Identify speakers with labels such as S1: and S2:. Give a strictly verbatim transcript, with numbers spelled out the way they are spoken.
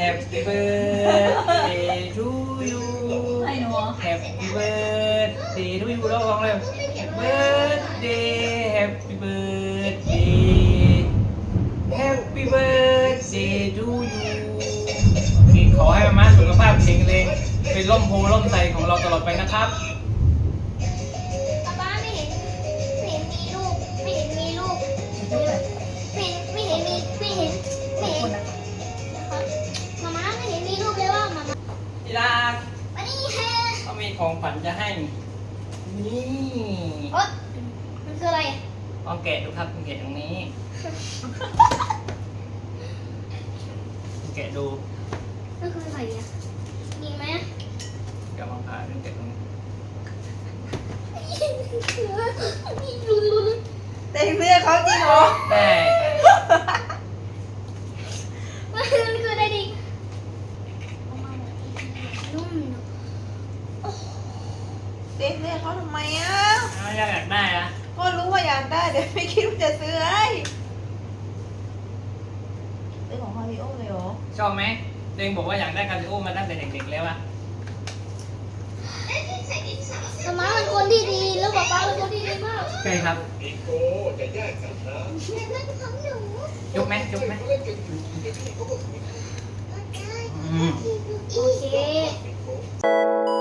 S1: Happy birthday to you
S2: ไอ้หนู
S1: Happy birthday to you ร้องเลย Birthday Happy birthday Happy birthday to you ขอให้มาม่าสุขภาพแข็งแรงเป็นร่มโพล่มใสของเราตลอดไปนะครับ
S3: ป๊าป๊าไม่เห็นไม่เห็นมีลูกไม่เห็นมีลูกไม่ไม่เห็นมีไม่เห็นไม่เห็นมาม่าไม่เห็นมีลูกเลยว่ามาม่า
S1: ที่รัก
S3: มานี่แฮะ
S1: เขามีของขวัญจะให้นี่
S3: โอ๊ยมันคืออะไร
S1: ลองแกะดูครับลองแกะตรงนี้แกะดู
S3: มันคืออะไรอ่ะดีไหม
S1: เดี๋ยวลองผ่าดูแกะตรงนี้
S3: ลุ้นลุ้น
S2: เต็มเสื้อเขาจริงเหรอ
S1: แต่
S3: มันคืออะไรดินุ่ม
S2: เต็มเสื้อเขาทำไมอ่ะ
S1: ถ้าอยากได้อะ
S2: ก็รู้ว่าอยากได้แต่ไม่คิดว่าจะซื้อให้ซื้อของฮาริโอเลยเหรอ
S1: ชอบไหมเองบอกว่าอยากได้คาริโอมาตั้งแต่เด็กๆแล้วอะ
S3: มาม่าเป็นคนที่ดีแล้วป๊าป๊าเป็นคนที่ดีมาก
S1: ใช่ครับ
S4: นิโก้จะแยกกันนะ
S3: แต่นั่นของหนู
S1: ยกไหมยกไหม
S4: เล่นกันอยู่เดี๋ยวพี่เขาก็
S1: อืม
S3: โอเค
S4: นิโก้